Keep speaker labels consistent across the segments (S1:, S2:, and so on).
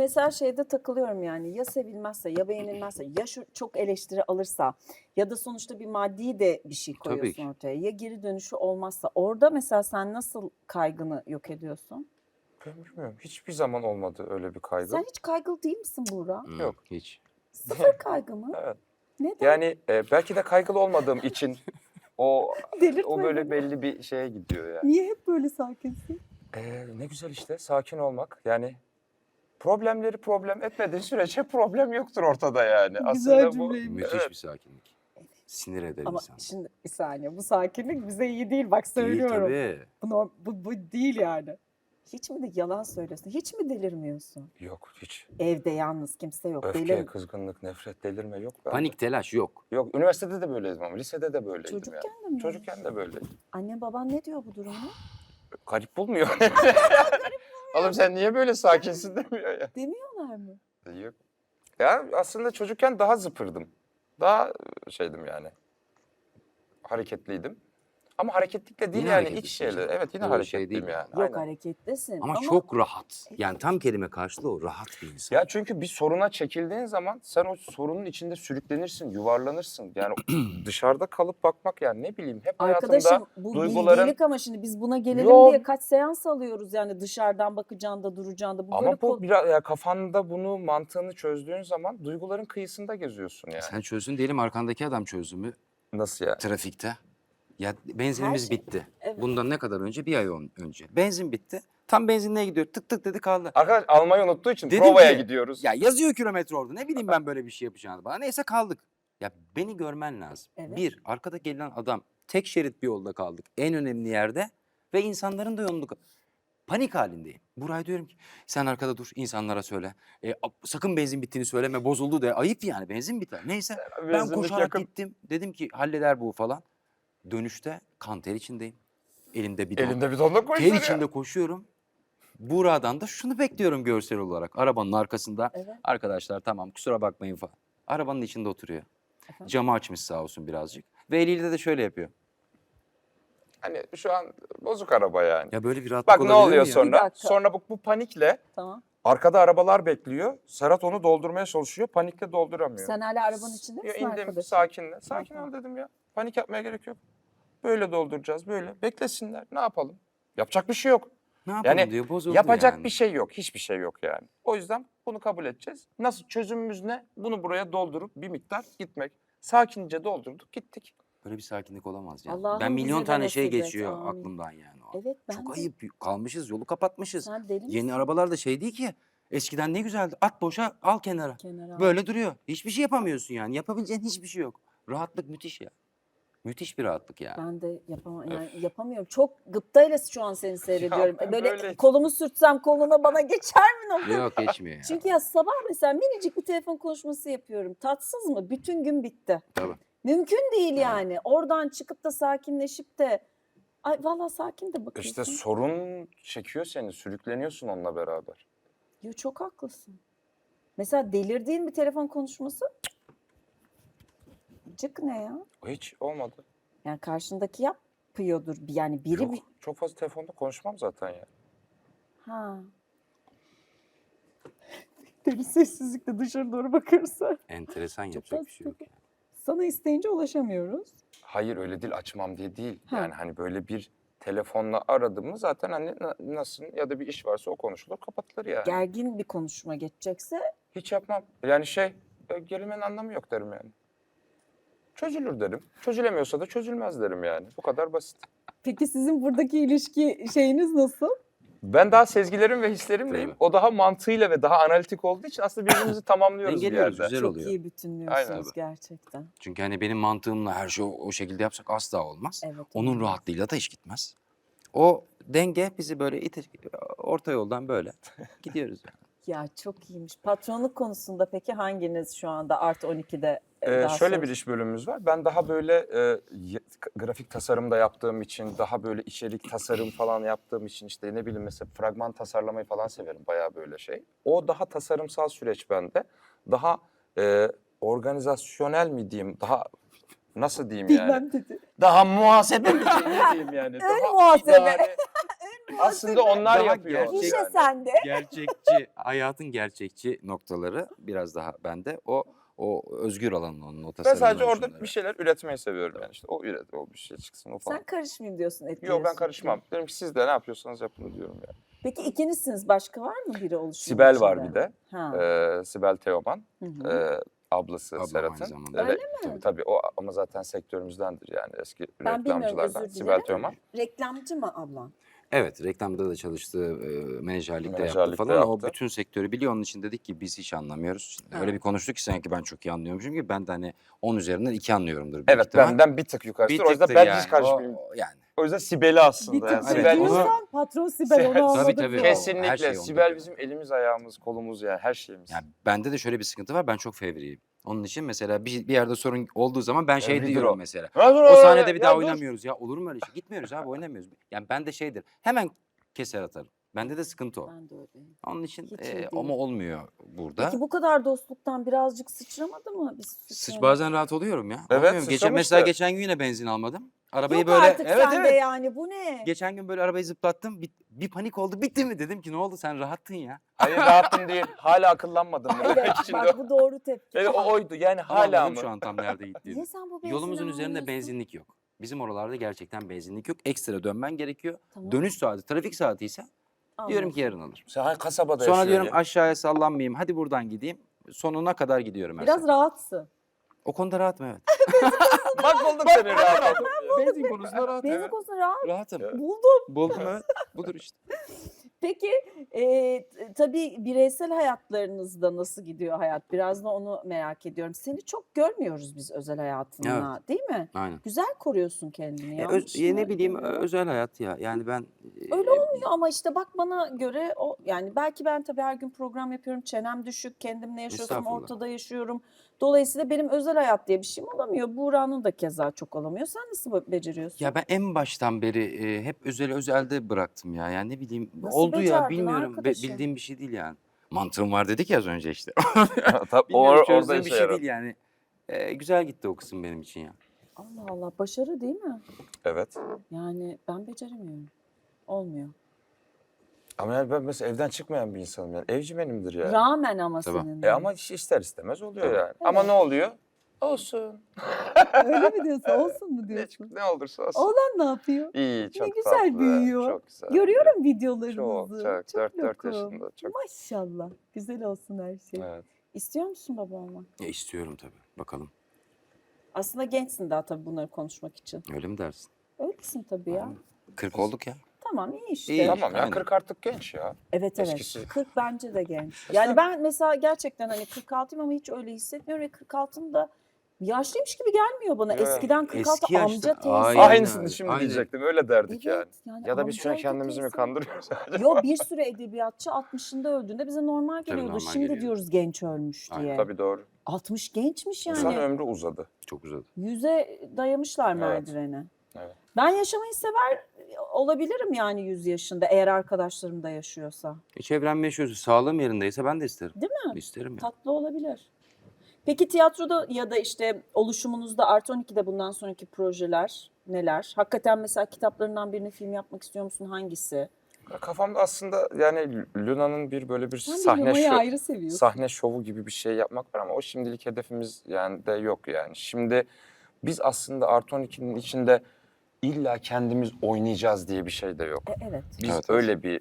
S1: mesela şeyde takılıyorum yani, ya sevilmezse ya beğenilmezse ya şu çok eleştiri alırsa ya da sonuçta bir maddi de bir şey
S2: Tabii
S1: koyuyorsun
S2: ki.
S1: ortaya, ya geri dönüşü olmazsa orada mesela sen nasıl kaygını yok ediyorsun?
S3: Ben bilmiyorum. Hiçbir zaman olmadı öyle bir kaygı.
S1: Sen hiç kaygılı değil misin Buğra?
S3: Yok.
S2: Hiç.
S1: Sıfır kaygı mı?
S3: Evet.
S1: Neden?
S3: Yani belki de kaygılı olmadığım için o
S1: Delirtme
S3: böyle
S1: beni.
S3: belli bir şeye gidiyor yani.
S1: Niye hep böyle sakinsin?
S3: Ne güzel işte sakin olmak. Yani problemleri problem etmediği sürece problem yoktur ortada yani.
S1: Güzel
S3: Aslında bu
S1: cümleymiş.
S2: Müthiş
S3: evet.
S2: bir sakinlik. Sinir eder
S1: Ama
S2: insan.
S1: şimdi bir saniye, bu sakinlik bize iyi değil, bak
S2: Değil
S1: söylüyorum.
S2: tabii.
S1: Bu değil yani. Hiç mi de yalan söylüyorsun? Hiç mi delirmiyorsun?
S3: Yok hiç.
S1: Evde yalnız kimse yok.
S3: Öfke, kızgınlık, nefret, delirme yok bende.
S2: Panik, telaş yok.
S3: Yok. Üniversitede de böyleydim ama lisede de böyleydim
S1: Çocukken
S3: yani.
S1: de mi?
S3: Çocukken de böyleydim.
S1: Annen baban ne diyor bu durumuna?
S3: Garip bulmuyor. Oğlum sen niye böyle sakinsin demiyor ya.
S1: Demiyorlar mı?
S3: Yok. Ya aslında çocukken daha zıpırdım. Daha şeydim yani. Hareketliydim. Ama hareketlikle değil
S2: Yine
S3: yani iç
S2: hareketlisin
S3: şeyle.
S2: canım.
S3: Evet yine
S2: Öyle bir şey
S3: hareketliyim
S2: değil
S3: yani.
S1: Yok,
S3: Aynen.
S1: hareketlisin.
S2: Ama çok rahat. Yani tam kelime karşılığı o. Rahat bir insan.
S3: Ya çünkü bir soruna çekildiğin zaman sen o sorunun içinde sürüklenirsin, yuvarlanırsın. Yani dışarıda kalıp bakmak yani ne bileyim hep
S1: Arkadaşım
S3: hayatımda
S1: bu
S3: duyguların...
S1: bilgelik ama şimdi biz buna gelelim
S3: Yok.
S1: diye kaç seans alıyoruz yani, dışarıdan bakacaksın da duracaksın da. Bu böyle
S3: Ama bu biraz ya kafanda bunu mantığını çözdüğün zaman duyguların kıyısında geziyorsun yani.
S2: Sen çözdün diyelim, arkandaki adam çözdü mü
S3: Nasıl yani?
S2: trafikte? Ya benzinimiz
S1: Her şey-
S2: bitti.
S1: Evet.
S2: Bundan ne kadar önce? Bir ay önce. Benzin bitti. Tam benzinliğe gidiyor. Tık tık dedi kaldı.
S3: Arkadaş almayı unuttuğu için
S2: Dedim
S3: provaya
S2: ki,
S3: gidiyoruz.
S2: Ya yazıyor kilometre orada. Ne bileyim ben böyle bir şey yapacağını bana. Neyse kaldık. Ya beni görmen lazım.
S1: Evet.
S2: Bir, arkada gelen adam, tek şerit bir yolda kaldık. En önemli yerde ve insanların da yolunu... Panik halindeyim. Buraya diyorum ki sen arkada dur, insanlara söyle. Sakın benzin bittiğini söyleme, bozuldu de. Ayıp yani, benzin biter. Neyse ben
S3: Benzinlik
S2: koşarak
S3: yakın.
S2: gittim. Dedim ki halleder bu falan. Dönüşte kan ter içindeyim. Elimde bidon.
S3: Elinde bidonla
S2: Ter
S3: koşuyor ya.
S2: içinde koşuyorum. Buğra'dan da şunu bekliyorum görsel olarak. Arabanın arkasında.
S1: Evet.
S2: Arkadaşlar tamam kusura bakmayın falan. Arabanın içinde oturuyor.
S1: Efendim?
S2: Camı açmış sağ olsun birazcık. Ve eliyle de şöyle yapıyor.
S3: Hani şu an bozuk araba yani.
S2: Ya böyle bir rahatlık
S3: Bak ne
S2: olabilir
S3: oluyor
S2: mi ya?
S1: Bir
S3: sonra?
S1: dakika.
S3: Sonra bu panikle
S1: Tamam.
S3: arkada arabalar bekliyor. Serhat onu doldurmaya çalışıyor. Panikle dolduramıyor.
S1: Sen hala arabanın içinde
S3: Ya
S1: misin
S3: indim
S1: arkadaşım?
S3: sakinle. Sakin
S1: Tamam.
S3: ol dedim ya. Panik yapmaya gerek yok. Böyle dolduracağız böyle. Beklesinler. Ne yapalım? Yapacak bir şey yok.
S2: Ne yapalım
S3: Yani
S2: diyor, bozuldu
S3: yapacak
S2: yani.
S3: bir şey yok. Hiçbir şey yok yani. O yüzden bunu kabul edeceğiz. Nasıl çözümümüz ne? Bunu buraya doldurup bir miktar gitmek. Sakince doldurduk gittik.
S2: Böyle bir sakinlik olamaz ya.
S1: Allah'ım
S2: Ben
S1: bize
S2: milyon
S1: de
S2: tane şey
S1: nasip et,
S2: geçiyor
S1: amin.
S2: aklımdan yani. O.
S1: Evet, ben
S2: Çok
S1: de.
S2: ayıp. Kalmışız, yolu kapatmışız.
S1: Sen deli misin?
S2: Yeni arabalar da şey değil ki. Eskiden ne güzeldi. At boşa, al kenara.
S1: Kenara al.
S2: Böyle duruyor. Hiçbir şey yapamıyorsun yani. Yapabileceğin hiçbir şey yok. Rahatlık müthiş ya. Müthiş bir rahatlık ya.
S1: Ben de yapamıyorum. Çok gıptayla şu an seni seyrediyorum.
S3: ben
S1: Böyle
S3: böyle-
S1: kolumu sürtsem koluna bana geçer mi?
S2: Yok geçmiyor ya.
S1: Çünkü ya sabah mesela minicik bir telefon konuşması yapıyorum. Tatsız mı? Bütün gün bitti.
S2: Tabii.
S1: Mümkün değil yani. Oradan çıkıp da sakinleşip de ay vallahi sakin de bakıyorsun.
S3: İşte sorun çekiyor seni. Sürükleniyorsun onunla beraber.
S1: Yo, çok haklısın. Mesela delirdiğin bir telefon konuşması cık ne ya?
S3: Hiç olmadı.
S1: Yani karşındaki yapıyordur. Yani biri
S3: Yok,
S1: bir...
S3: çok fazla telefonda konuşmam zaten ya.
S1: Ha. Deli sessizlikle dışarı doğru bakırsa.
S2: Enteresan, yapacak bir şey yok. Yani.
S1: Sana isteyince ulaşamıyoruz.
S3: Hayır öyle değil açmam diye değil.
S1: Ha.
S3: Yani hani böyle bir telefonla aradığımı zaten hani nasıl ya da bir iş varsa o konuşulur kapatılır yani.
S1: Gergin bir konuşma geçecekse
S3: Hiç yapmam. Yani gerilmenin anlamı yok derim yani. Çözülür derim. Çözülemiyorsa da çözülmez derim yani. Bu kadar basit.
S1: peki sizin buradaki ilişki şeyiniz nasıl?
S3: Ben daha sezgilerim ve hislerimleyim.
S2: Tabii.
S3: O daha mantığıyla ve daha analitik olduğu için aslında birbirimizi tamamlıyoruz bir
S2: Dengeliyoruz,
S3: yerde.
S2: güzel
S1: Çok
S2: oluyor.
S1: iyi bütünlüyorsunuz
S3: Aynen.
S1: gerçekten.
S2: Çünkü hani benim mantığımla her şeyi o şekilde yapsak asla olmaz.
S1: Evet,
S2: Onun
S1: olmaz.
S2: rahatlığıyla da iş gitmez. O denge bizi böyle orta yoldan böyle gidiyoruz yani.
S1: Ya çok iyiymiş. Patronluk konusunda peki hanginiz şu anda Art 12'de daha
S3: Şöyle bir
S1: söz-
S3: iş bölümümüz var. Ben daha böyle grafik tasarım da yaptığım için, daha böyle içerik tasarım falan yaptığım için işte ne bileyim mesela fragman tasarlamayı falan severim bayağı böyle şey. O daha tasarımsal süreç bende. Daha organizasyonel mi diyeyim, daha nasıl diyeyim yani?
S1: Bilmem dedi.
S3: Daha muhasebe mi diyeyim, ne diyeyim yani? Daha
S1: muhasebe.
S3: idare- Aslında onlar
S2: Daha
S3: yapıyor.
S2: gerçek-
S1: Gişe
S3: yani.
S1: sende.
S2: Gerçekçi, hayatın gerçekçi noktaları biraz daha bende. O özgür alanın onun, o
S3: Ben
S2: tasarımın
S3: sadece orada
S2: oluşumları.
S3: bir şeyler üretmeyi seviyorum yani işte. O o bir şey çıksın o falan.
S1: Sen karışmayayım diyorsun,
S3: Yok
S1: etkileşim.
S3: ben karışmam. Dedim ki siz de ne yapıyorsanız yapın diyorum yani.
S1: Peki ikinizsiniz. Başka var mı biri oluşumun
S3: Sibel var
S1: içinde?
S3: bir de.
S1: Ha.
S3: Sibel Teoman.
S1: Hı hı.
S3: Ablası
S2: Ablam aynı
S3: Serhat'ın.
S2: zamanda.
S1: Öyle
S3: Tabii o ama zaten sektörümüzdendir yani eski
S1: Ben bilmiyorum,
S3: reklamcılardan.
S1: özür
S3: Sibel
S1: dilerim.
S3: Teoman.
S1: Reklamcı mı ablan?
S2: Evet, reklamda da çalıştı, menajerlik de yaptı
S3: Menajerlik de
S2: falan. O
S3: yaptı.
S2: bütün sektörü biliyor. Onun için dedik ki biz hiç anlamıyoruz.
S1: Ha.
S2: Öyle bir konuştuk ki sanki ben çok iyi anlıyormuşum gibi. Ben de hani 10 üzerinden 2 anlıyorumdur büyük
S3: Evet
S2: ihtimal.
S3: benden bir tık yukarıdır.
S2: Bir
S3: O yüzden
S2: tıktır
S3: ben
S2: yani.
S3: hiç karışmayayım.
S2: Yani.
S3: O yüzden Sibel'i aslında.
S1: Bir tık
S3: yani.
S2: Evet,
S3: Sibel
S2: onu-
S1: diyorsan patron Sibel, onu
S3: Tabii,
S1: anladık.
S2: tabii.
S1: ya.
S3: Kesinlikle.
S2: Her şey
S3: Sibel
S2: onda.
S3: bizim elimiz ayağımız kolumuz yani her şeyimiz.
S2: Yani bende de şöyle bir sıkıntı var. Ben çok fevriyim. Onun için mesela bir yerde sorun olduğu zaman ben şey
S3: Fevridir
S2: diyorum
S3: o.
S2: mesela.
S3: Ya dur,
S2: O sahnede
S3: ya
S2: bir daha
S3: dur.
S2: oynamıyoruz ya. Olur mu öyle şey? Gitmiyoruz abi, oynamıyoruz. Yani ben de şeydir. Hemen keser atarım. Bende de sıkıntı o.
S1: Ben de öyleyim.
S2: Onun için
S1: Hiç iyi değil.
S2: ama olmuyor burada.
S1: Peki bu kadar dostluktan birazcık sıçramadı mı?
S2: Bazen rahat oluyorum ya.
S3: Evet,
S2: Olmuyor mu? Mesela
S3: sıçramıştı.
S2: geçen gün yine benzin almadım. Arabayı
S1: Yok
S2: böyle
S1: artık sende yani, bu ne?
S2: Geçen gün böyle arabayı zıplattım. Bir panik oldu. Bitti mi dedim ki ne oldu, sen rahattın ya.
S3: Hayır rahatım değil. Hala akıllanmadım.
S1: Evet,
S3: Şimdi
S1: bak bu doğru tepki.
S3: evet, o oydu yani
S2: Ama
S3: hala
S2: anladım
S3: mı?
S2: şu an tam nerede gittiğini.
S1: Niye sen bu benzini
S2: Yolumuzun üzerinde
S1: almıyorsun?
S2: benzinlik yok. Bizim oralarda gerçekten benzinlik yok. Ekstra dönmen gerekiyor.
S1: Tamam.
S2: Dönüş saati, trafik saati ise diyorum ki yarın alırım.
S3: Sen hangi kasabada
S2: Sonra
S3: yaşıyorsun
S2: diyorum
S3: ya?
S2: aşağıya sallanmayayım. Hadi buradan gideyim. Sonuna kadar gidiyorum her
S1: Biraz
S2: sefer.
S1: rahatsın.
S2: O konuda rahatım evet.
S3: Bak buldum seni rahat.
S2: Benzin konusunda rahatım.
S1: Benzin konusunda rahat.
S2: Rahatım.
S1: Buldum.
S2: Buldum evet. Budur işte.
S1: Peki tabii bireysel hayatlarınızda nasıl gidiyor hayat? Biraz da onu merak ediyorum. Seni çok görmüyoruz biz özel hayatında, değil mi?
S2: Aynen.
S1: Güzel koruyorsun kendini. Yanlış mı
S2: Ne bileyim
S1: görüyorum?
S2: özel hayat ya. Yani ben
S1: Öyle olmuyor ama işte bak bana göre o, yani belki ben tabii her gün program yapıyorum. Çenem düşük, kendimle yaşıyorsam
S2: Estağfurullah.
S1: ortada yaşıyorum. Dolayısıyla benim özel hayat diye bir şeyim olamıyor. Buğra'nın da keza çok olamıyor. Sen nasıl beceriyorsun?
S2: Ya ben en baştan beri hep özelde bıraktım ya. Yani ne bileyim
S1: Nasıl
S2: oldu ya
S1: becerdin
S2: bilmiyorum.
S1: arkadaşım?
S2: Bildiğim bir şey değil yani. Mantığım var dedik ya az önce işte.
S3: Tabii
S2: Bilmiyorum,
S3: orada
S2: çözdüğüm bir
S3: işe
S2: şey
S3: yarar.
S2: değil yani. Güzel gitti o kısım benim için ya.
S1: Allah Allah, başarı değil mi?
S3: Evet.
S1: Yani ben beceremiyorum. Olmuyor.
S3: Ama yani ben mesela evden çıkmayan bir insanım yani. Evcimenimdir yani.
S1: Rağmen ama
S2: Tabii.
S1: senin. de.
S3: Ama ister istemez oluyor
S2: Tabii.
S3: yani. Ama ne oluyor? Olsun.
S1: Öyle mi diyorsun? Olsun mu
S3: Ne olursa olsun.
S1: Oğlan ne yapıyor?
S3: İyi, çok
S1: güzel
S3: tatlı.
S1: büyüyor.
S3: Çok güzel.
S1: Görüyorum videolarınızı.
S3: Çok. 4
S1: lokum.
S3: yaşında. Çok.
S1: Maşallah. Güzel olsun her şey.
S3: Evet.
S1: İstiyor musun baba olmak?
S2: Ya istiyorum tabii. Bakalım.
S1: Aslında gençsin daha tabii bunları konuşmak için.
S2: Öyle mi dersin?
S1: Öylesin tabii ya.
S2: 40 olduk ya.
S1: Tamam, iyi işte.
S2: İyi.
S3: Tamam ya
S2: Aynen.
S3: 40 artık genç ya.
S1: Evet evet.
S3: Eskisi.
S1: 40 bence de genç. Yani ben mesela gerçekten hani 46'yım ama hiç öyle hissetmiyorum ve 46'ım da yaşlıymış gibi gelmiyor bana.
S3: Evet.
S1: Eskiden 46
S2: Eski yaşta-
S1: amca teyze.
S2: Aynen
S3: Aynısını
S2: öyle,
S3: şimdi
S2: aynen.
S3: diyecektim. Öyle derdik yani.
S1: Evet, yani
S3: Ya da biz şuna
S1: amcaydı,
S3: kendimizi mi
S1: teyze.
S3: kandırıyoruz?
S1: Yo, bir sürü edebiyatçı 60'ında öldüğünde bize normal
S2: Tabii
S1: geliyordu.
S2: normal
S1: Şimdi
S2: geliyor.
S1: diyoruz genç ölmüş
S2: Aynen,
S1: diye.
S3: Tabii doğru.
S1: 60 gençmiş yani.
S3: İnsan ömrü uzadı.
S2: Çok uzadı.
S1: 100'e dayamışlar
S3: Evet.
S1: merdivene.
S3: Evet.
S1: Ben yaşamayı sever olabilirim yani 100 yaşında, eğer arkadaşlarım da yaşıyorsa.
S2: Çevrem yaşıyorsa, sağlığım yerindeyse ben de isterim.
S1: Değil mi?
S2: İsterim ya.
S1: Tatlı olabilir. Peki tiyatroda ya da işte oluşumunuzda Artı 12'de bundan sonraki projeler neler? Hakikaten mesela kitaplarından birini film yapmak istiyor musun? Hangisi?
S3: Kafamda aslında yani Luna'nın böyle bir
S1: Sen
S3: sahne
S1: Luna'yı ayrı seviyorsun.
S3: sahne şovu gibi bir şey yapmak var ama o şimdilik hedefimiz yani de yok yani. Şimdi biz aslında Artı 12'nin içinde illa kendimiz oynayacağız diye bir şey de yok.
S1: Evet.
S3: Biz
S2: Evet,
S3: öyle bir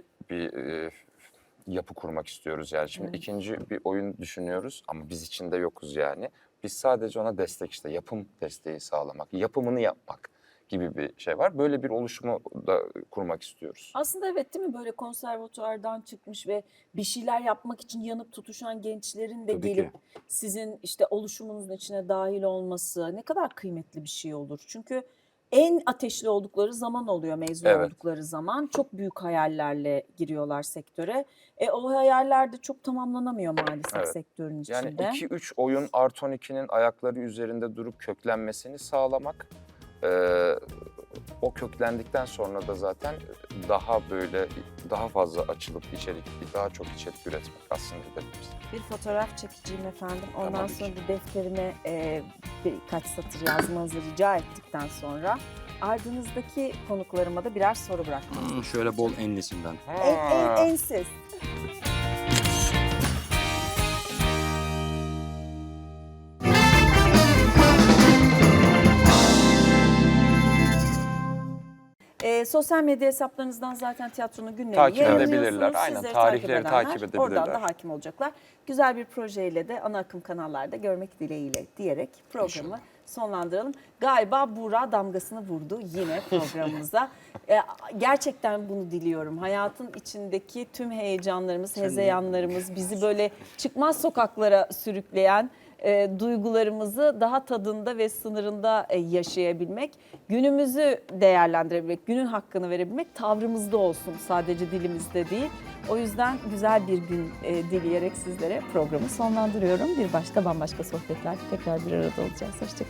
S3: yapı kurmak istiyoruz yani. Şimdi
S1: Evet.
S3: ikinci bir oyun düşünüyoruz ama biz içinde yokuz yani. Biz sadece ona destek işte yapım desteği sağlamak, yapımını yapmak gibi bir şey var. Böyle bir oluşumu da kurmak istiyoruz.
S1: Aslında evet, değil mi, böyle konservatuardan çıkmış ve bir şeyler yapmak için yanıp tutuşan gençlerin de
S2: Tabii ki.
S1: gelip sizin işte oluşumunuzun içine dahil olması ne kadar kıymetli bir şey olur. Çünkü en ateşli oldukları zaman oluyor, mezun
S3: Evet.
S1: oldukları zaman. Çok büyük hayallerle giriyorlar sektöre. O hayaller de çok tamamlanamıyor maalesef
S3: Evet.
S1: sektörün
S3: Yani
S1: içinde.
S3: 2-3 oyun Artı 12'nin ayakları üzerinde durup köklenmesini sağlamak. O köklendikten sonra da zaten daha fazla açılıp daha çok içerik üretmek aslında hedefimiz.
S1: Bir fotoğraf çekeceğim efendim. Ondan
S3: Tamam.
S1: sonra da defterime birkaç satır yazmanızı rica ettikten sonra ardınızdaki konuklarıma da birer soru bırakmak.
S2: Şöyle bol enlisinden.
S1: Ensiz. Sosyal medya hesaplarınızdan zaten tiyatronun günlerini
S3: Takip
S1: yayınlıyorsunuz.
S3: edebilirler. Aynen,
S1: Sizleri
S3: tarihleri
S1: takip
S3: takip
S1: edenler
S3: edebilirler.
S1: oradan da hakim olacaklar. Güzel bir projeyle de ana akım kanallarda görmek dileğiyle diyerek programı sonlandıralım. Galiba Buğra damgasını vurdu yine programımıza. Gerçekten bunu diliyorum. Hayatın içindeki tüm heyecanlarımız, hezeyanlarımız, bizi böyle çıkmaz sokaklara sürükleyen duygularımızı daha tadında ve sınırında yaşayabilmek, günümüzü değerlendirebilmek, günün hakkını verebilmek tavrımızda olsun, sadece dilimizde değil. O yüzden güzel bir gün dileyerek sizlere programı sonlandırıyorum. Bir başka bambaşka sohbetler tekrar bir arada olacağız. Hoşçakalın.